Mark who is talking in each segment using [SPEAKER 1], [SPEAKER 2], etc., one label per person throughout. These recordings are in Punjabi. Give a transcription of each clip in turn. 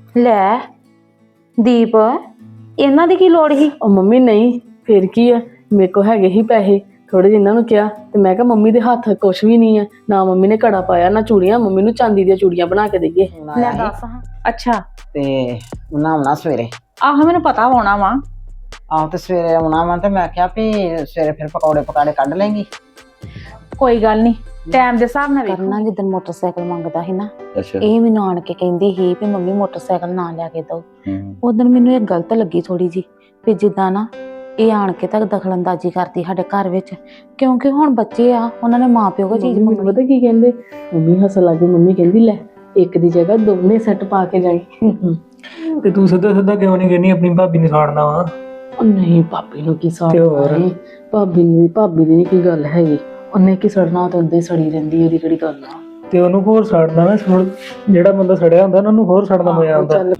[SPEAKER 1] ਲੈ ਦੀਪ ਇਹਨਾਂ ਦੀ ਕੀ ਲੋੜ ਸੀ?
[SPEAKER 2] ਉਹ ਮੰਮੀ ਨਹੀਂ ਫਿਰ ਕੀ ਆ, ਮੇਰੇ ਕੋ ਹੈਗੇ ਹੀ ਪੈਸੇ ਥੋੜੇ ਜਿਹੇ ਇਹਨਾਂ ਨੂੰ ਕਿਹਾ ਤੇ ਮੈਂ ਕਿਹਾ ਮੰਮੀ ਦੇ ਹੱਥ ਕੁਛ ਵੀ ਨਹੀਂ ਆ, ਨਾ ਮੰਮੀ ਨੇ ਘੜਾ ਪਾਇਆ ਨਾ ਚੂੜੀਆਂ, ਮੰਮੀ ਨੂੰ ਚਾਂਦੀ ਦੀਆਂ ਚੂੜੀਆਂ ਬਣਾ ਕੇ ਦੇਈਏ।
[SPEAKER 1] ਲੈ ਦੱਸ ਹਾਂ। ਅੱਛਾ
[SPEAKER 3] ਤੇ ਬਣਾਉਣਾ ਸਵੇਰੇ।
[SPEAKER 1] ਆਹੋ ਮੈਨੂੰ ਪਤਾ ਹੋਣਾ ਵਾ।
[SPEAKER 3] ਆਹੋ ਤੇ ਸਵੇਰੇ ਆਉਣਾ ਵਾ ਤੇ ਮੈਂ ਕਿਹਾ ਵੀ ਸਵੇਰੇ ਫਿਰ ਪਕੌੜੇ ਪਕਾੜੇ ਕੱਢ ਲੈਂਗੀ।
[SPEAKER 1] ਕੋਈ ਗੱਲ ਨਹੀਂ, ਟਾਈਮ ਦੇ ਹਿਸਾਬ ਨਾਲ
[SPEAKER 4] ਕਰਨਾ ਜਿੱਦਣ ਮੋਟਰਸਾਈਕਲ ਮੰਗਦਾ ਸੀ ਨਾ,
[SPEAKER 5] ਅੱਛਾ
[SPEAKER 4] ਇਹ ਮੈਨੂੰ ਆਣ ਕੇ ਕਹਿੰਦੀ ਸੀ ਵੀ ਮੰਮੀ ਮੋਟਰਸਾਈਕਲ ਨਾ ਲਿਆ ਕੇ ਦਿਓ।
[SPEAKER 5] ਹੂੰ
[SPEAKER 4] ਉਦੋਂ ਮੈਨੂੰ ਇਹ ਗਲਤ ਲੱਗੀ ਥੋੜੀ ਜੀ, ਵੀ ਜਿੱਦਾਂ ਨਾ ਇਹ ਆਣ ਕੇ ਤੱਕ ਦਖਲਅੰਦਾਜ਼ੀ ਕਰਦੀ ਸਾਡੇ ਘਰ ਵਿੱਚ, ਕਿਉਂਕਿ ਹੁਣ ਬੱਚੇ ਆ ਉਹਨਾਂ ਨੇ ਮਾਂ ਪਿਓ ਕੋ ਚੀਜ਼
[SPEAKER 2] ਮੈਨੂੰ
[SPEAKER 4] ਮੰਗਣੀ।
[SPEAKER 2] ਪਤਾ ਕੀ ਕਹਿੰਦੇ, ਮੰਮੀ ਹੱਸਣ ਲੱਗ ਗਈ, ਮੰਮੀ ਕਹਿੰਦੀ ਲੈ ਇੱਕ ਦੀ ਜਗ੍ਹਾ ਦੋਨੇ ਸੈੱਟ ਪਾ ਕੇ ਜਾਈ।
[SPEAKER 6] ਤੇ ਤੂੰ ਸਿੱਧਾ ਸਿੱਧਾ ਕਿਉਂ ਨਹੀਂ ਕਹਿੰਦੀ ਆਪਣੀ ਭਾਬੀ ਨੂੰ ਸਾੜਨਾ ਵਾ?
[SPEAKER 2] ਉਹ ਨਹੀਂ ਭਾਬੀ ਨੂੰ ਕੀ ਸਾੜ
[SPEAKER 6] ਤੇ ਹੋਰ?
[SPEAKER 2] ਭਾਬੀ ਦੀ ਨਹੀਂ ਕੀ ਗੱਲ ਹੈਗੀ, ਉਹਨੇ ਕੀ ਸੜਨਾ, ਤਾਂ ਉਦਾਂ ਹੀ ਸੜੀ ਰਹਿੰਦੀ, ਉਹਦੀ ਕਿਹੜੀ ਗੱਲ ਆ।
[SPEAKER 6] ਤੇ ਉਹਨੂੰ ਹੋਰ ਸਾੜਨਾ ਨਾ, ਜਿਹੜਾ ਬੰਦਾ ਸੜਿਆ ਹੁੰਦਾ ਨਾ ਉਹਨੂੰ ਹੋਰ ਸੜਨਾ ਮਜ਼ਾ ਆਉਂਦਾ।
[SPEAKER 2] ਚੱਲ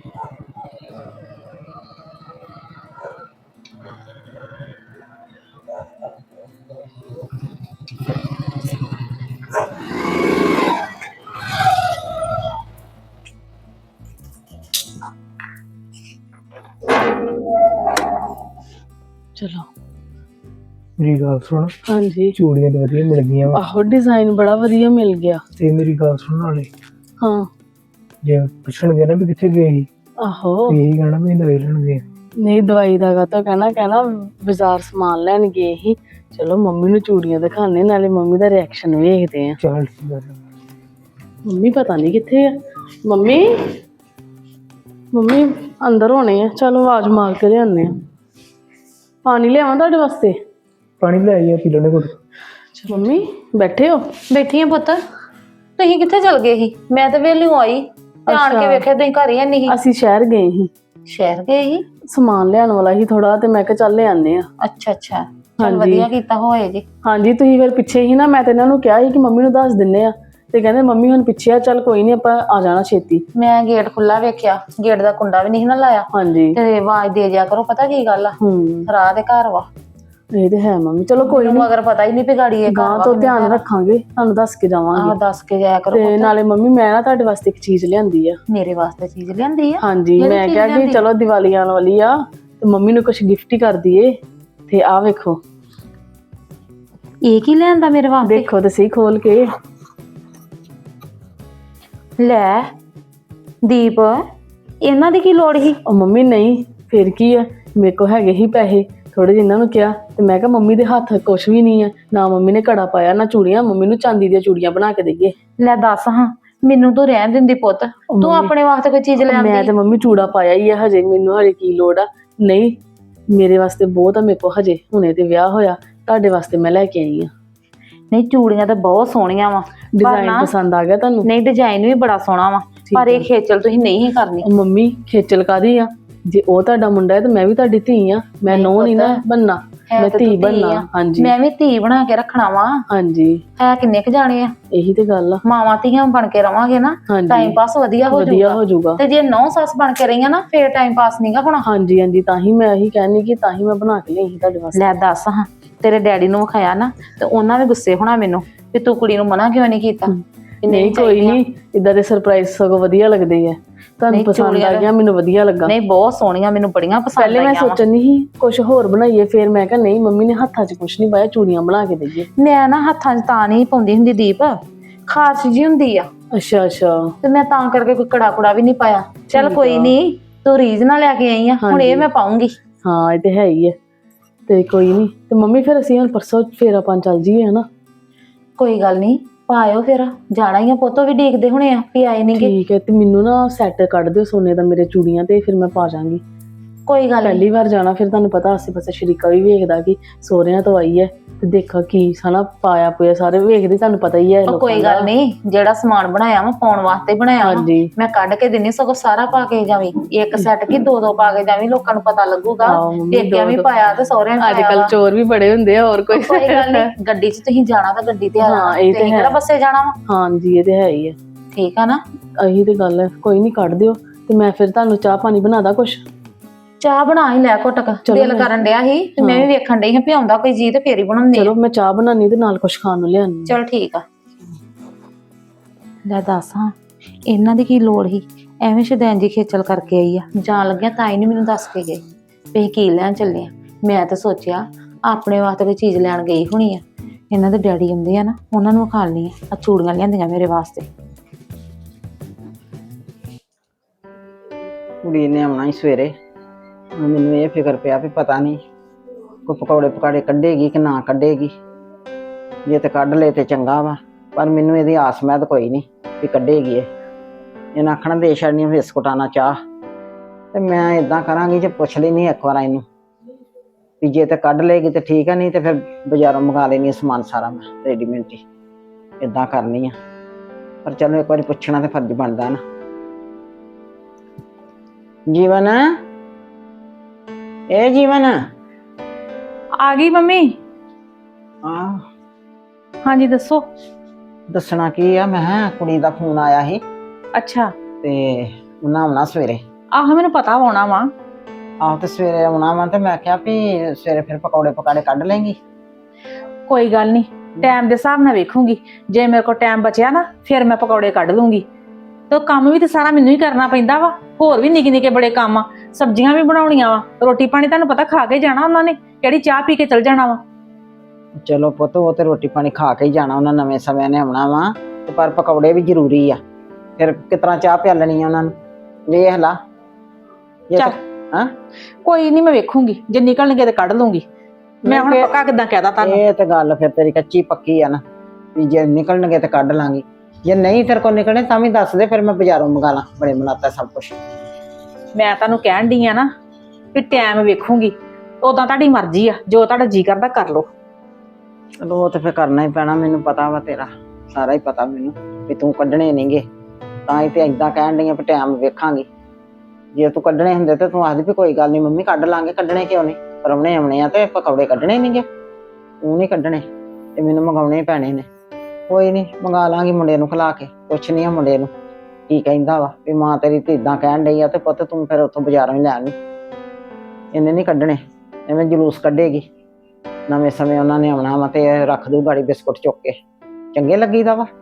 [SPEAKER 2] ਚਲੋ
[SPEAKER 6] ਮੇਰੀ ਗੱਲ ਸੁਣ,
[SPEAKER 2] ਹਾਂਜੀ।
[SPEAKER 6] ਚੂੜੀਆਂ ਤੇ ਵਧੀਆ ਮਿਲ ਗਈਆਂ ਵਾ,
[SPEAKER 2] ਆਹੋ ਡਿਜ਼ਾਈਨ ਬੜਾ ਵਧੀਆ ਮਿਲ ਗਿਆ।
[SPEAKER 6] ਤੇ ਮੇਰੀ ਗੱਲ ਸੁਣ ਨਾਲੇ,
[SPEAKER 2] ਹਾਂ
[SPEAKER 6] ਜੇ ਪੁੱਛਣਗੇ ਨਾ ਵੀ ਕਿੱਥੇ ਗਏ ਸੀ,
[SPEAKER 2] ਆਹੋ
[SPEAKER 6] ਤੇ ਇਹੀ ਕਹਿਣਾ ਵੀ ਦਵਾਈ ਲੈਣ ਗਏ।
[SPEAKER 2] ਨਹੀਂ ਦਵਾਈ ਦਾ ਤਾਂ ਕਹਿਣਾ ਬਾਜ਼ਾਰ ਸਮਾਨ ਲੈਣ ਗਏ ਸੀ। ਚਲੋ ਮੰਮੀ ਨੂੰ ਚੂੜੀਆਂ ਦਿਖਾਣੇ, ਨਾਲੇ ਮੰਮੀ ਦਾ ਰਿਐਕਸ਼ਨ ਵੇਖਦੇ ਆ।
[SPEAKER 6] ਚੱਲ ਠੀਕ ਆ।
[SPEAKER 2] ਮੰਮੀ ਪਤਾ ਨਹੀਂ ਕਿੱਥੇ ਆ। ਮੰਮੀ ਅੰਦਰ ਹੋਣੇ ਆ, ਚਲੋ ਆਵਾਜ਼ ਮਾਰ ਕੇ ਲਿਆਉਂਦੇ ਆ। ਪਾਣੀ ਲਿਆਵਾਂ ਤੁਹਾਡੇ ਵਾਸਤੇ?
[SPEAKER 6] ਪਾਣੀ ਲੈ ਆਈਏ ਪੀ ਲੈਣੇ ਕੋਲ।
[SPEAKER 2] ਮੰਮੀ ਬੈਠੇ ਹੋ?
[SPEAKER 1] ਬੈਠੀ ਆ ਪੁੱਤ। ਤੁਸੀਂ ਕਿੱਥੇ ਚਲ ਗਏ ਸੀ? ਮੈਂ ਤਾਂ ਵੇਲੀ ਆਈ ਤੇ ਆਣ ਕੇ ਵੇਖਿਆ ਤੁਸੀਂ ਘਰ ਹੀ ਨਹੀਂ।
[SPEAKER 2] ਅਸੀਂ ਸ਼ਹਿਰ ਗਏ ਸੀ,
[SPEAKER 1] ਸ਼ਹਿਰ ਗਏ ਸੀ?
[SPEAKER 2] ਸਮਾਨ ਲਿਆਉਣ ਵਾਲਾ ਸੀ ਥੋੜਾ, ਤੇ ਮੈਂ ਕਿਹਾ ਚੱਲ ਲਿਆਉਂਦੇ ਆ।
[SPEAKER 1] ਅੱਛਾ ਅੱਛਾ, ਚਲ ਵਧੀਆ ਕੀਤਾ ਹੋਏ ਜੀ।
[SPEAKER 2] ਹਾਂਜੀ ਤੁਸੀਂ ਫਿਰ ਪਿੱਛੇ ਹੀ ਨਾ, ਮੈਂ ਤੇ ਇਹਨਾਂ ਨੂੰ ਕਿਹਾ ਸੀ ਕਿ ਮੰਮੀ ਨੂੰ ਦੱਸ ਦਿੰਨੇ ਆ, ਤੇ ਕਹਿੰਦੇ ਮੰਮੀ ਹੁਣ ਪਿੱਛੇ ਆ, ਚੱਲ ਕੋਈ ਨਹੀਂ ਆਪਾਂ ਆ ਜਾਣਾ ਛੇਤੀ।
[SPEAKER 1] ਮੈਂ ਗੇਟ ਖੁੱਲਾ ਵੇਖਿਆ, ਗੇਟ ਦਾ ਕੁੰਡਾ ਵੀ ਨਹੀਂ ਨਾ ਲਾਇਆ,
[SPEAKER 2] ਹਾਂਜੀ
[SPEAKER 1] ਤੇ ਆਵਾਜ਼ ਦੇ ਜਾ ਕਰੋ। ਪਤਾ ਕੀ ਗੱਲ ਆ, ਰਾਹ ਦੇ ਘਰ ਵਾ।
[SPEAKER 2] ਇਹ ਤੇ ਹੈ ਮੰਮੀ, ਚਲੋ ਕੋਈ ਨਹੀਂ,
[SPEAKER 1] ਮਗਰ ਪਤਾ ਹੀ ਨਹੀਂ ਵੀ ਗਾੜੀ ਇਹ
[SPEAKER 2] ਗਾਂ ਤੋਂ ਧਿਆਨ ਰੱਖਾਂਗੇ, ਤੁਹਾਨੂੰ ਦੱਸ ਕੇ ਜਾਵਾਂਗੇ।
[SPEAKER 1] ਦੱਸ ਕੇ ਜਾਇਆ ਕਰੋ।
[SPEAKER 2] ਤੇ ਨਾਲੇ ਮੰਮੀ ਮੈਂ ਨਾ ਤੁਹਾਡੇ ਵਾਸਤੇ ਇੱਕ ਚੀਜ਼ ਲਿਆਂਦੀ ਆ।
[SPEAKER 1] ਮੇਰੇ ਵਾਸਤੇ ਚੀਜ਼ ਲਿਆਂਦੀ ਆ?
[SPEAKER 2] ਹਾਂਜੀ ਮੈਂ ਕਿਹਾ ਕਿ ਚਲੋ ਦੀਵਾਲੀ ਆਉਣ ਵਾਲੀ ਆ, ਤੇ ਮੰਮੀ ਨੂੰ ਕੁਝ ਗਿਫਟ ਹੀ ਕਰ ਦਈਏ। ਤੇ ਆਹ ਵੇਖੋ।
[SPEAKER 1] ਇਹ ਕੀ ਲਿਆਂਦਾ ਮੇਰੇ ਵਾਸਤੇ?
[SPEAKER 2] ਦੇਖੋ ਤੇ ਸਹੀ ਖੋਲ ਕੇ।
[SPEAKER 1] ਲੈ ਦੀਪ, ਇਹਨਾਂ ਦੀ ਕੀ ਲੋੜ ਸੀ?
[SPEAKER 2] ਉਹ ਮੰਮੀ ਨਹੀਂ ਫਿਰ ਕੀ ਆ, ਮੇਰੇ ਕੋ ਹੈਗੇ ਹੀ ਪੈਸੇ ਥੋੜੇ ਜਿਹੇ, ਇਹਨਾਂ ਨੂੰ ਕਿਹਾ ਤੇ ਮੈਂ ਕਿਹਾ ਮੰਮੀ ਦੇ ਹੱਥ ਕੁਛ ਵੀ ਨਹੀਂ ਆ, ਨਾ ਮੰਮੀ ਨੇ ਘੜਾ ਪਾਇਆ ਨਾ ਚੂੜੀਆਂ, ਮੰਮੀ ਨੂੰ ਚਾਂਦੀ ਦੀਆਂ ਚੂੜੀਆਂ ਬਣਾ ਕੇ ਦੇਈਏ।
[SPEAKER 1] ਲੈ ਦੱਸ ਹਾਂ, ਮੈਨੂੰ ਤੂੰ ਰਹਿਣ ਦਿੰਦੀ ਪੁੱਤ, ਤੂੰ ਆਪਣੇ ਵਾਸਤੇ ਕੋਈ ਚੀਜ਼ ਲੈ
[SPEAKER 2] ਮੈਂ
[SPEAKER 1] ਆਂਦੀ।
[SPEAKER 2] ਤੇ ਮੰਮੀ ਚੂੜਾ ਪਾਇਆ ਹੀ ਆ, ਹਜੇ ਮੈਨੂੰ ਹਜੇ ਕੀ ਲੋੜ ਆ। ਨਹੀਂ ਮੇਰੇ ਵਾਸਤੇ ਬਹੁਤ ਆ, ਮੇਰੇ ਕੋ ਹਜੇ ਹੁਣੇ ਤੇ ਵਿਆਹ ਹੋਇਆ, ਤੁਹਾਡੇ ਵਾਸਤੇ ਮੈਂ ਲੈ ਕੇ ਆਈ ਆ।
[SPEAKER 1] ਨਹੀਂ ਚੂੜੀਆਂ ਤਾਂ ਬਹੁਤ ਸੋਹਣੀਆਂ ਵਾ,
[SPEAKER 2] ਡਿਜ਼ਾਈਨ ਪਸੰਦ ਆ ਗਿਆ ਤੁਹਾਨੂੰ?
[SPEAKER 1] ਨਹੀਂ ਡਿਜ਼ਾਈਨ ਵੀ ਬੜਾ ਸੋਹਣਾ ਵਾ, ਪਰ ਇਹ ਖੇਚਲ ਤੁਸੀਂ ਨਹੀਂ ਕਰਨੀ।
[SPEAKER 2] ਉਹ ਮੰਮੀ ਖੇਚਲ ਕਾਦੀ ਆ, ਜੇ ਉਹ ਤੁਹਾਡਾ ਮੁੰਡਾ ਹੈ ਤੇ ਮੈਂ ਵੀ ਤੁਹਾਡੀ ਧੀ ਆ, ਮੈਂ ਨੋ ਨਹੀਂ ਨਾ ਬਣਨਾ, ਮੈਂ ਧੀ ਬਣਨਾ। ਹਾਂਜੀ
[SPEAKER 1] ਮੈਂ ਵੀ ਧੀ ਬਣਾ ਕੇ ਰੱਖਣਾ ਵਾ।
[SPEAKER 2] ਹਾਂਜੀ
[SPEAKER 1] ਹੈ ਕਿੰਨੇ ਕੁ ਜਾਣੇ ਆ,
[SPEAKER 2] ਇਹੀ ਤੇ ਗੱਲ ਆ।
[SPEAKER 1] ਮਾਵਾਂ ਧੀਆਂ ਬਣ ਕੇ ਰਵਾਂਗੇ ਨਾ, ਟਾਈਮ ਪਾਸ ਵਧੀਆ ਹੋ ਜਾਊਗਾ। ਤੇ ਜੇ ਨੌ ਸੱਸ ਬਣ ਕੇ ਰਹੀਆਂ ਨਾ, ਫੇਰ ਟਾਈਮ ਪਾਸ ਨਹੀਂਗਾ ਹੋਣਾ।
[SPEAKER 2] ਹਾਂਜੀ ਹਾਂਜੀ, ਤਾਂ ਹੀ ਮੈਂ ਇਹੀ ਕਹਿੰਦੀ ਕਿ ਤਾਂ ਹੀ ਮੈਂ ਬਣਾ ਕੇ ਲਈ ਤੁਹਾਡੇ ਵਾਸਤੇ।
[SPEAKER 1] ਲੈ ਦੱਸ ਹਾਂ, ਤੇਰੇ ਡੈਡੀ ਨੂੰ ਵਿਖਾਇਆ ਨਾ ਤੇ ਉਹਨਾਂ ਵੀ ਗੁੱਸੇ ਹੋਣਾ ਮੈਨੂੰ ਵੀ ਤੂੰ ਕੁੜੀ ਨੂੰ ਮਨਾ ਕਿਉਂ ਨਹੀਂ ਕੀਤਾ।
[SPEAKER 2] ਨਹੀਂ ਕੋਈ ਨਹੀਂ, ਇਦਾਂ ਦੇ ਸਰਪ੍ਰਾਈਜ਼ ਸਗੋਂ ਵਧੀਆ ਲੱਗਦੇ ਆ। ਤੁਹਾਨੂੰ ਪਸੰਦ ਆ ਗਿਆ? ਮੈਨੂੰ ਵਧੀਆ ਲੱਗਾ।
[SPEAKER 1] ਨਹੀਂ ਬਹੁਤ ਸੋਹਣੀਆਂ, ਮੈਨੂੰ ਬੜੀਆਂ ਪਸੰਦ ਆਈਆਂ।
[SPEAKER 2] ਪਹਿਲੇ ਮੈਂ ਸੋਚਣ ਨਹੀਂ ਸੀ ਕੁਝ ਹੋਰ ਬਣਾਈਏ, ਫਿਰ ਮੈਂ ਕਿਹਾ ਨਹੀਂ ਮੰਮੀ ਨੇ ਹੱਥਾਂ 'ਚ ਕੁਝ ਨਹੀਂ ਪਾਇਆ, ਚੂੜੀਆਂ ਬਣਾ ਕੇ ਦੇਈਏ।
[SPEAKER 1] ਮੈਂ ਨਾ ਹੱਥਾਂ 'ਚ ਤਾਂ ਨਹੀਂ ਪਾਉਂਦੀ ਹੁੰਦੀ ਦੀਪ, ਖਾਰਸ਼ ਜੀ ਹੁੰਦੀ ਆ।
[SPEAKER 2] ਅੱਛਾ ਅੱਛਾ,
[SPEAKER 1] ਤੇ ਮੈਂ ਤਾਂ ਕਰਕੇ ਕੋਈ ਕੜਾ ਕੁੜਾ ਵੀ ਨਹੀਂ ਪਾਇਆ। ਚੱਲ ਕੋਈ ਨਹੀਂ, ਤੂੰ ਰੀਝ ਨਾਲ ਲੈ ਕੇ ਆਈ ਆ, ਹੁਣ ਇਹ ਮੈਂ ਪਾਉਂਗੀ।
[SPEAKER 2] ਹਾਂ ਇਹ ਤੇ ਹੈ ਹੀ ਹੈ। ਤੇ ਕੋਈ ਨਹੀਂ, ਤੇ ਮੰਮੀ ਫਿਰ ਅਸੀਂ ਹੁਣ ਪਰਸੋਂ ਫੇਰ ਆਪਾਂ ਚੱਲ ਜੀਏ ਹਨਾ?
[SPEAKER 1] ਕੋਈ ਗੱਲ ਨਹੀਂ, ਪਾਇਓ ਫਿਰ, ਜਾਣਾ ਹੀ ਆ ਪੁੱਤੋ ਵੀ ਦੇਖਦੇ ਹੋਣੇ ਆ ਵੀ ਆਏ ਨਹੀਂਗੇ।
[SPEAKER 2] ਠੀਕ ਹੈ, ਤੇ ਮੈਨੂੰ ਨਾ ਸੈੱਟ ਕੱਢ ਦਿਓ ਸੋਨੇ ਦਾ ਮੇਰੇ ਚੂੜੀਆਂ ਤੇ, ਫਿਰ ਮੈਂ ਪਾ ਜਾਵਾਂਗੀ।
[SPEAKER 1] ਕੋਈ ਗੱਲ
[SPEAKER 2] ਪਹਿਲੀ ਵਾਰ ਜਾਣਾ, ਫਿਰ ਤੁਹਾਨੂੰ ਪਤਾ ਆਸੇ ਪਾਸੇ ਸ਼ਰੀਕਾ ਵੀ ਵੇਖਦਾ ਕਿ ਸੋਹਰਿਆਂ ਤੋਂ ਆਈ ਹੈ, ਤੇ ਦੇਖਾ ਕੀ ਹਨਾ ਪਾਇਆ ਪੂਇਆ ਸਾਰੇ ਵੇਖਦੇ, ਤੁਹਾਨੂੰ ਪਤਾ ਹੀ ਹੈ।
[SPEAKER 1] ਕੋਈ ਗੱਲ ਨਹੀਂ, ਜਿਹੜਾ ਸਮਾਨ ਬਣਾਇਆ ਵਾ ਪਾਉਣ ਵਾਸਤੇ ਬਣਾਇਆ
[SPEAKER 2] ਹਾਂਜੀ
[SPEAKER 1] ਮੈਂ ਕੱਢ ਕੇ ਦਿੰਨੀ, ਸਗੋਂ ਸਾਰਾ ਪਾ ਕੇ ਜਾਵੀਂ, ਇੱਕ ਸੈੱਟ ਕੀ ਦੋ ਦੋ ਪਾ ਕੇ ਜਾਵੀਂ, ਲੋਕਾਂ ਨੂੰ ਪਤਾ ਲੱਗੂਗਾ ਦੇਖਿਆ ਵੀ ਪਾਇਆ ਤੇ ਸਹੁਰਿਆਂ ਨੇ।
[SPEAKER 2] ਅੱਜ ਕੱਲ ਚੋਰ ਵੀ ਬੜੇ ਹੁੰਦੇ ਆ, ਹੋਰ ਕੋਈ
[SPEAKER 1] ਗੱਲ ਨਹੀਂ। ਗੱਡੀ 'ਚ ਤੁਸੀਂ ਜਾਣਾ ਤਾਂ ਗੱਡੀ ਤੇ ਆ ਜਾਣਾ,
[SPEAKER 2] ਇਹ ਤੇ
[SPEAKER 1] ਕਿਹੜਾ ਬੱਸੇ ਜਾਣਾ ਵਾ।
[SPEAKER 2] ਹਾਂਜੀ ਇਹ ਤੇ ਹੈ ਹੀ ਹੈ।
[SPEAKER 1] ਠੀਕ ਆ ਨਾ?
[SPEAKER 2] ਇਹੀ ਤੇ ਗੱਲ ਹੈ। ਕੋਈ ਨਹੀਂ ਕੱਢ ਦਿਓ, ਤੇ ਮੈਂ ਫਿਰ ਤੁਹਾਨੂੰ ਚਾਹ ਪਾਣੀ ਬਣਾਦਾ ਕੁਛ।
[SPEAKER 1] ਚਾਹ ਬਣਾ ਹੀ ਲੈ ਘੁੱਟ ਕੇ, ਦਿਲ ਕਰਨ ਡਿਆ ਸੀ ਤੇ ਮੈਂ ਵੀ ਵੇਖਣ ਡਈ ਹਾਂ ਵੀ ਆਉਂਦਾ ਕੋਈ ਜੀ ਤੇ ਫੇਰ ਹੀ ਬਣਾਉਂਦੀ।
[SPEAKER 2] ਚਲੋ ਮੈਂ ਚਾਹ ਬਣਾਉਣੀ ਤੇ ਨਾਲ ਕੁਛ ਖਾਣ ਨੂੰ ਲਿਆਉਣੀ।
[SPEAKER 1] ਚਲ ਠੀਕ ਆ।
[SPEAKER 4] ਲੈ ਦੱਸ ਹਾਂ, ਇਹਨਾਂ ਦੀ ਕੀ ਲੋੜ ਸੀ? ਐਵੇਂ ਸ਼ਦੈਨ ਜੀ ਖੇਚਲ ਕਰਕੇ ਆਈ ਆ। ਜਾਣ ਲੱਗਿਆ ਤਾਂ ਹੀ ਨਹੀਂ ਮੈਨੂੰ ਦੱਸ ਕੇ ਗਏ ਵੀ ਅਸੀਂ ਕੀ ਲੈਣ ਚੱਲੇ ਆ। ਮੈਂ ਤਾਂ ਸੋਚਿਆ ਆਪਣੇ ਵਾਸਤੇ ਕੋਈ ਚੀਜ਼ ਲੈਣ ਗਈ ਹੋਣੀ ਆ। ਇਹਨਾਂ ਦੇ ਡੈਡੀ ਆਉਂਦੇ ਆ ਨਾ, ਉਹਨਾਂ ਨੂੰ ਖਾ ਲਈਆਂ ਆ ਚੂੜੀਆਂ ਲਿਆਂਦੀਆਂ ਮੇਰੇ ਵਾਸਤੇ।
[SPEAKER 3] ਕੁੜੀ ਨੇ ਆਉਣਾ ਹੀ ਸਵੇਰੇ। ਹੁਣ ਮੈਨੂੰ ਇਹ ਫਿਕਰ ਪਿਆ ਵੀ ਪਤਾ ਨਹੀਂ ਕੋਈ ਪਕੌੜੇ ਪਕਾੜੇ ਕੱਢੇਗੀ ਕਿ ਨਾ ਕੱਢੇਗੀ। ਜੇ ਤੇ ਕੱਢ ਲਏ ਤੇ ਚੰਗਾ ਵਾ, ਪਰ ਮੈਨੂੰ ਇਹਦੀ ਆਸ ਮੈਦ ਕੋਈ ਨਹੀਂ ਵੀ ਕੱਢੇਗੀ ਇਹ। ਇਹਨਾਂ ਆਖਣਾ ਦੇ ਛੱਡਣੀ ਬਿਸਕੁਟਾਂ ਨਾਲ ਚਾਹ। ਤੇ ਮੈਂ ਇਦਾਂ ਕਰਾਂਗੀ ਜੇ ਪੁੱਛ ਲੈਣੀ ਇੱਕ ਵਾਰ ਇਹਨੂੰ ਵੀ ਜੇ ਤੇ ਕੱਢ ਲਏਗੀ ਤੇ ਠੀਕ ਹੈ, ਨਹੀਂ ਤੇ ਫਿਰ ਬਾਜ਼ਾਰੋਂ ਮੰਗਾ ਲੈਣੀ ਸਮਾਨ ਸਾਰਾ ਮੈਂ ਰੈਡੀਮੇਡ ਹੀ। ਇਦਾਂ ਕਰਨੀ ਆ, ਪਰ ਚਲੋ ਇੱਕ ਵਾਰੀ ਪੁੱਛਣਾ ਤੇ ਫਰਜ਼ ਬਣਦਾ ਨਾ। ਜੀਵਨ, ਇਹ ਜੀਵਨ
[SPEAKER 4] ਆ ਗਈ ਮੰਮੀ।
[SPEAKER 3] ਆ
[SPEAKER 4] ਹਾਂਜੀ ਦੱਸੋ।
[SPEAKER 3] ਦੱਸਣਾ ਕੀ ਆ, ਮੈਂ ਕਿਹਾ ਕੁੜੀ ਦਾ ਫੋਨ ਆਇਆ ਸੀ
[SPEAKER 4] ਅੱਛਾ।
[SPEAKER 3] ਤੇ ਉਹਨਾਂ ਆਉਣਾ ਸਵੇਰੇ।
[SPEAKER 4] ਆਹੋ ਮੈਨੂੰ ਪਤਾ ਹੋਣਾ ਵਾ।
[SPEAKER 3] ਆਹੋ ਤੇ ਸਵੇਰੇ ਆਉਣਾ ਵਾ ਤੇ ਮੈਂ ਕਿਹਾ ਵੀ ਸਵੇਰੇ ਫਿਰ ਪਕੌੜੇ ਪਕਾੜੇ ਕੱਢ ਲੇਂਗੀ।
[SPEAKER 4] ਕੋਈ ਗੱਲ ਨਹੀਂ, ਟਾਈਮ ਦੇ ਹਿਸਾਬ ਨਾਲ ਵੇਖੂੰਗੀ। ਜੇ ਮੇਰੇ ਕੋਲ ਟਾਈਮ ਬਚਿਆ ਨਾ ਫਿਰ ਮੈਂ ਪਕੌੜੇ ਕੱਢ ਲੂੰਗੀ। ਤੇ ਕੰਮ ਵੀ ਤੇ ਸਾਰਾ ਮੈਨੂੰ ਹੀ ਕਰਨਾ ਪੈਂਦਾ ਵਾ। ਹੋਰ ਵੀ ਨਿੱਕੇ ਨਿੱਕੇ ਬੜੇ ਕੰਮ ਆ, ਸਬਜ਼ੀਆਂ ਵੀ ਬਣਾਉਣੀਆਂ ਵਾ, ਰੋਟੀ ਪਾਣੀ ਤੁਹਾਨੂੰ ਪਤਾ ਖਾ ਕੇ ਜਾਣਾ ਉਹਨਾਂ ਨੇ, ਕਿਹੜੀ ਚਾਹ ਪੀ ਕੇ ਚਲ ਜਾਣਾ ਵਾ।
[SPEAKER 3] ਚਲੋ ਪੁੱਤ, ਉਹ ਤੇ ਰੋਟੀ ਪਾਣੀ ਖਾ ਕੇ ਹੀ ਜਾਣਾ, ਉਹਨਾਂ ਨਵੇਂ ਸਮੇਂ ਨੇ ਆਉਣਾ ਵਾ। ਤੇ ਪਰ ਪਕੌੜੇ ਵੀ ਜ਼ਰੂਰੀ ਆ, ਫਿਰ ਕਿਤਨਾ ਚਾਹ ਪਿਆਲਣੀ ਆ ਉਹਨਾਂ ਨੂੰ। ਵੇਖ ਲਾ
[SPEAKER 4] ਚੱਲ
[SPEAKER 3] ਹਾਂ,
[SPEAKER 4] ਕੋਈ ਨਹੀਂ ਮੈਂ ਵੇਖੂੰਗੀ, ਜੇ ਨਿਕਲਣਗੇ ਤੇ ਕੱਢ ਲੂੰਗੀ। ਮੈਂ ਹੁਣ ਪੱਕਾ ਕਿੱਦਾਂ ਕਹਿਦਾ ਤੁਹਾਨੂੰ।
[SPEAKER 3] ਇਹ ਤੇ ਗੱਲ ਫਿਰ ਤੇਰੀ ਕੱਚੀ ਪੱਕੀ ਆ ਨਾ, ਵੀ ਜੇ ਨਿਕਲਣਗੇ ਤੇ ਕੱਢ ਲਾਂਗੀ, ਜੇ ਨਹੀਂ ਤੇਰੇ ਕੋਲ ਨਿਕਲਣੇ ਤਾਂ ਵੀ ਦੱਸ ਦੇ, ਫਿਰ ਮੈਂ ਬਾਜ਼ਾਰੋਂ ਮੰਗਾ ਲਾਂ। ਬੜੇ ਬਣਾਤਾ ਸਭ ਕੁਛ।
[SPEAKER 4] ਮੈਂ ਤੁਹਾਨੂੰ ਕਹਿਣ ਡਈ ਆ ਨਾ ਵੀ ਟਾਈਮ ਵੇਖੂੰਗੀ, ਉਦਾਂ ਤੁਹਾਡੀ ਮਰਜ਼ੀ ਆ, ਜੋ ਤੁਹਾਡਾ ਜੀ ਕਰਦਾ ਕਰ ਲਓ।
[SPEAKER 3] ਚਲੋ ਉਹ ਤੇ ਫਿਰ ਕਰਨਾ ਹੀ ਪੈਣਾ, ਮੈਨੂੰ ਪਤਾ ਵਾ, ਤੇਰਾ ਸਾਰਾ ਹੀ ਪਤਾ ਮੈਨੂੰ ਵੀ ਤੂੰ ਕੱਢਣੇ ਨਹੀਂਗੇ। ਤਾਂ ਹੀ ਤੇ ਏਦਾਂ ਕਹਿਣ ਡਈ ਆ ਵੀ ਟਾਈਮ ਵੇਖਾਂਗੀ। ਜੇ ਤੂੰ ਕੱਢਣੇ ਹੁੰਦੇ ਤੇ ਤੂੰ ਆਖਦੀ ਵੀ ਕੋਈ ਗੱਲ ਨਹੀਂ ਮੰਮੀ ਕੱਢ ਲਾਂਗੇ। ਕੱਢਣੇ ਕਿਉਂ ਨਹੀਂ, ਪਰੌਣੇ ਆਉਣੇ ਆ ਤੇ ਪਕੌੜੇ ਕੱਢਣੇ ਨਹੀਂਗੇ। ਤੂੰ ਨਹੀਂ ਕੱਢਣੇ ਤੇ ਮੈਨੂੰ ਮੰਗਾਉਣੇ ਹੀ ਪੈਣੇ ਨੇ। ਕੋਈ ਨਹੀਂ, ਮੰਗਾ ਲਾਂਗੀ ਮੁੰਡੇ ਨੂੰ ਖਿਲਾ ਕੇ। ਪੁੱਛਣੀ ਆ ਮੁੰਡੇ ਨੂੰ ਕੀ ਕਹਿੰਦਾ ਵਾ, ਵੀ ਮਾਂ ਤੇਰੀ ਤੇ ਇਦਾਂ ਕਹਿਣ ਡਈ ਆ ਤੇ ਪੁੱਤ ਤੂੰ ਫਿਰ ਉੱਥੋਂ ਬਾਜ਼ਾਰੋਂ ਹੀ ਲੈ ਆਵੀਂ। ਇਹਨੇ ਨਹੀਂ ਕੱਢਣੇ, ਐਵੇਂ ਜਲੂਸ ਕੱਢੇਗੀ। ਨਵੇਂ ਸਮੇਂ ਉਹਨਾਂ ਨੇ ਆਉਣਾ ਵਾ ਤੇ ਰੱਖ ਦੂ ਗਾੜੀ ਬਿਸਕੁਟ ਚੁੱਕ ਕੇ। ਚੰਗੇ ਲੱਗੀਦਾ ਵਾ।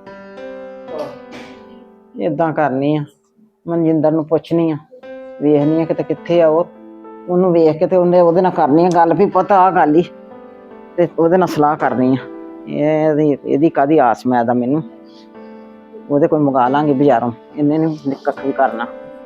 [SPEAKER 3] ਏਦਾਂ ਕਰਨੀ ਆ, ਮਨਜਿੰਦਰ ਨੂੰ ਪੁੱਛਣੀ ਆ, ਵੇਖਣੀ ਆ ਕਿਤੇ ਕਿੱਥੇ ਆ ਉਹ। ਉਹਨੂੰ ਵੇਖ ਕੇ ਤੇ ਉਹਦੇ ਨਾਲ ਕਰਨੀ ਆ ਗੱਲ ਵੀ ਪੁੱਤ ਆਹ ਗੱਲ ਹੀ, ਤੇ ਉਹਦੇ ਨਾਲ ਸਲਾਹ ਕਰਨੀ ਆ। ਇਹਦੀ ਕਾਹਦੀ ਆਸ ਮੈਂ ਦਾ ਮੈਨੂੰ। ਉਹਦੇ ਕੋਈ ਮੰਗਾ ਲਾਂਗੇ ਬਾਜ਼ਾਰੋਂ, ਇਹਨੇ ਨੀ ਕੱਖ ਵੀ ਕਰਨਾ।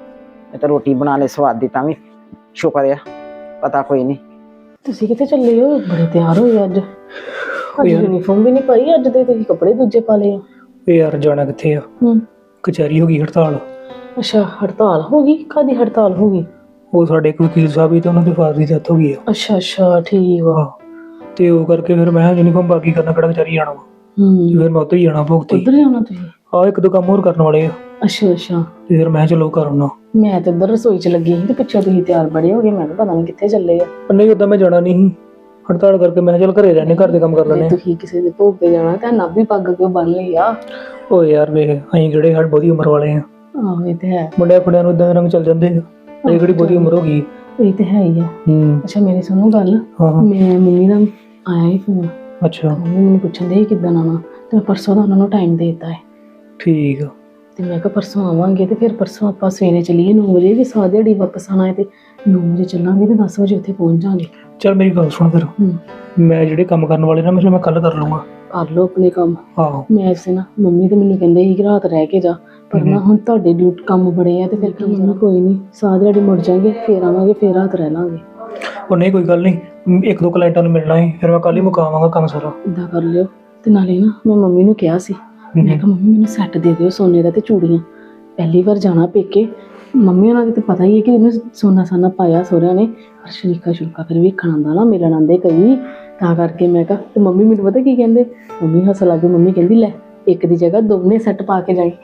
[SPEAKER 3] ਇਹ ਤਾਂ ਰੋਟੀ ਬਣਾ ਲੈ ਸਵਾਦ ਦੀ, ਤਾਂ ਵੀ ਸ਼ੁਕਰ ਆ। ਪਤਾ ਕੋਈ ਨਹੀਂ।
[SPEAKER 2] ਤੁਸੀਂ ਕਿੱਥੇ ਚੱਲੇ ਹੋ? ਬੜੇ ਤਿਆਰ ਹੋਏ ਅੱਜ। ਯੂਨੀਫਾਰਮ ਵੀ ਨਹੀਂ ਪਾਈ ਅੱਜ ਦੇ, ਤੁਸੀਂ ਕੱਪੜੇ ਦੂਜੇ ਪਾ ਲਏ ਆ।
[SPEAKER 6] ਵੇ ਯਾਰ ਜਾਣਾ ਕਿੱਥੇ ਆ, ਕਚਹਿਰੀ ਹੋ ਗਈ ਹੜਤਾਲ।
[SPEAKER 2] ਅੱਛਾ, ਹੜਤਾਲ ਹੋ ਗਈ? ਕਾਹਦੀ ਹੜਤਾਲ ਹੋ ਗਈ?
[SPEAKER 6] ਉਹ ਸਾਡੇ ਇੱਕ ਵਕੀਲ ਸਾਹਿਬ ਹੀ ਤੇ ਉਹਨਾਂ ਦੇ ਫਾਦਰ ਦੀ ਡੈਥ ਹੋ ਗਈ ਆ।
[SPEAKER 2] ਅੱਛਾ ਅੱਛਾ, ਠੀਕ ਆ।
[SPEAKER 6] ਤੇ ਉਹ ਕਰਕੇ ਫਿਰ ਮੈਂ ਯੂਨੀਫਾਰਮ ਬਾਕੀ ਕਰਨਾ, ਕਿਹੜਾ ਕਚਹਿਰੀ ਜਾਣਾ ਵਾ। ਤੇ ਫਿਰ ਮੈਂ ਉੱਧਰ ਹੀ ਜਾਣਾ ਭੁਗਤੀ।
[SPEAKER 2] ਉੱਧਰ ਜਾਣਾ ਤੁਸੀਂ?
[SPEAKER 6] ਆਹ ਇੱਕ ਦੋ ਕੰਮ ਹੋਰ ਕਰਨ ਵਾਲੇ ਆ।
[SPEAKER 2] ਅੱਛਾ ਅੱਛਾ।
[SPEAKER 6] ਤੇ ਫਿਰ ਮੈਂ ਚਲੋ ਕਰ ਆਉਣਾ।
[SPEAKER 2] ਮੈਂ ਤੇ ਇੱਧਰ ਰਸੋਈ 'ਚ ਲੱਗੀ ਸੀ ਤੇ ਪਿੱਛੋਂ ਤੁਸੀਂ ਤਿਆਰ ਬੜੇ ਹੋ ਗਏ। ਮੈਂ ਕਿਹਾ ਪਤਾ ਨਹੀਂ ਕਿੱਥੇ ਚੱਲੇ ਆ।
[SPEAKER 6] ਨਹੀਂ ਉਦਾਂ ਮੈਂ ਜਾਣਾ ਨਹੀਂ ਸੀ, ਹੜਤਾਲ ਕਰਕੇ ਮੈਂ ਚਲ ਘਰੇ ਰਹਿਣੇ, ਘਰ ਦੇ ਕੰਮ ਕਰ ਲੈਣੇ।
[SPEAKER 2] ਤੁਸੀਂ ਕਿਸੇ ਦੇ ਭੋਗ ਤੇ ਜਾਣਾ ਤਾਂ ਨਾ ਵੀ ਪੱਗ ਕਿਉਂ ਬੰਨ ਲਈ ਆ?
[SPEAKER 6] ਓ ਯਾਰ ਵੇਖ, ਅਸੀਂ ਕਿਹੜੇ ਹੜ ਬਹੁਤੀ ਉਮਰ ਵਾਲੇ ਆ।
[SPEAKER 2] ਆਹੋ ਇਹ ਤੇ ਹੈ।
[SPEAKER 6] ਮੁੰਡਿਆਂ ਕੁੜੀਆਂ ਨੂੰ ਇਦਾਂ ਦੇ ਰੰਗ ਚੱਲ ਜਾਂਦੇ ਆ, ਇਹ ਕਿਹੜੀ ਬਹੁਤੀ ਉਮਰ ਹੋ ਗਈ।
[SPEAKER 2] ਇਹ ਤੇ ਹੈ ਹੀ ਆ। ਅੱਛਾ ਮੇਰੀ ਸੁਣੋ ਗੱਲ,
[SPEAKER 6] ਹਾਂ
[SPEAKER 2] ਮੈਂ ਮੰਮੀ ਦਾ ਆਇਆ ਹੀ ਫੋਨ।
[SPEAKER 6] ਅੱਛਾ।
[SPEAKER 2] ਮੰਮੀ ਮੈਨੂੰ ਪੁੱਛਣ ਦੇ ਕਿੱਦਾਂ ਆਉਣਾ, ਤੇ ਮੈਂ ਪਰਸੋਂ ਦਾ ਉਹਨਾਂ ਨੂੰ ਟਾਈਮ ਦੇ ਦਿੱਤਾ ਹੈ।
[SPEAKER 6] ਠੀਕ ਆ।
[SPEAKER 2] ਤੇ ਮੈਂ ਕਿਹਾ ਪਰਸੋਂ ਆਵਾਂਗੇ ਤੇ ਫਿਰ ਪਰਸੋਂ ਆਪਾਂ ਸਵੇਰੇ ਚੱਲੀਏ 9 ਵਜੇ, ਵੀ ਸਾਰੀ ਦਿਹਾੜੀ ਵਾਪਸ ਆਉਣਾ ਹੈ ਤੇ 9 ਵਜੇ ਚੱਲਾਂਗੇ ਤੇ 10 ਵਜੇ ਉੱਥੇ ਪਹੁੰਚ ਜਾਵਾਂਗੇ।
[SPEAKER 6] ਚੱਲ ਮੇਰੀ ਗੱਲ ਸੁਣ ਫਿਰ, ਮੈਂ ਜਿਹੜੇ ਕੰਮ ਕਰਨ ਵਾਲੇ ਨਾ ਮੈਂ ਕੱਲ ਕਰ ਲੂੰਗਾ।
[SPEAKER 2] ਕਰ ਲਓ ਆਪਣੇ ਕੰਮ।
[SPEAKER 6] ਆਹੋ
[SPEAKER 2] ਮੈਂ ਇਸੇ ਨਾ ਮੰਮੀ ਤੇ ਮੈਨੂੰ ਕਹਿੰਦੇ ਸੀ ਕਿ ਰਾਤ ਰਹਿ ਕੇ ਜਾ, ਪਰ ਨਾ ਹੁਣ ਤੁਹਾਡੇ ਡਿਊਟੀ ਕੰਮ ਬੜੇ ਆ ਤੇ ਫਿਰ ਕੀ ਕਰਨਾ। ਕੋਈ ਨਹੀਂ, ਸਾਰੀ ਦਿਹਾੜੀ ਮੁੜ ਜਾਵਾਂਗੇ, ਫਿਰ ਆਵਾਂਗੇ, ਫਿਰ ਰਾਤ ਰਹਿ ਲਾਂਗੇ।
[SPEAKER 6] ਉਹ ਨਹੀਂ ਕੋਈ ਗੱਲ ਨਹੀਂ, ਇੱਕ ਦੋ ਕਲਾਇੰਟਾਂ ਨੂੰ ਮਿਲਣਾ ਹੈ, ਫਿਰ ਮੈਂ ਕੱਲ ਹੀ ਮੁਕਾਵਾਂਗਾ ਕੰਮ ਸਾਰਾ।
[SPEAKER 2] ਇੱਦਾਂ ਕਰ ਲਿਓ। ਤੇ ਨਾਲੇ ਨਾ ਮੈਂ ਮੰਮੀ ਨੂੰ ਕਿਹਾ ਸੀ, ਮੈਂ ਕਿਹਾ ਮੰਮੀ ਮੈਨੂੰ ਸੈੱਟ ਦੇ ਦਿਓ ਸੋਨੇ ਦਾ ਤੇ ਚੂੜੀਆਂ। ਪਹਿਲੀ ਵਾਰ ਜਾਣਾ ਪੇਕੇ, ਮੰਮੀ ਉਹਨਾਂ ਦੇ ਤੇ ਪਤਾ ਹੀ ਹੈ ਕਿ ਇਹਨੂੰ ਸੋਨਾ ਸਾਨਾ ਪਾਇਆ ਸਹੁਰਿਆਂ ਨੇ, ਪਰ ਸ਼ਰੀਕਾ ਫਿਰ ਵੇਖਣ ਆਉਂਦਾ ਨਾ, ਮਿਲਣ ਆਉਂਦੇ ਕਈ, ਤਾਂ ਕਰਕੇ ਮੈਂ ਕਿਹਾ। ਤੇ ਮੰਮੀ ਮੈਨੂੰ ਪਤਾ ਕੀ ਕਹਿੰਦੇ, ਮੰਮੀ ਹੱਸ ਲੱਗ ਗਈ। ਮੰਮੀ ਕਹਿੰਦੀ ਲੈ ਇੱਕ ਦੀ ਜਗ੍ਹਾ ਦੋਨੇ ਸੈੱਟ ਪਾ ਕੇ ਜਾਈ।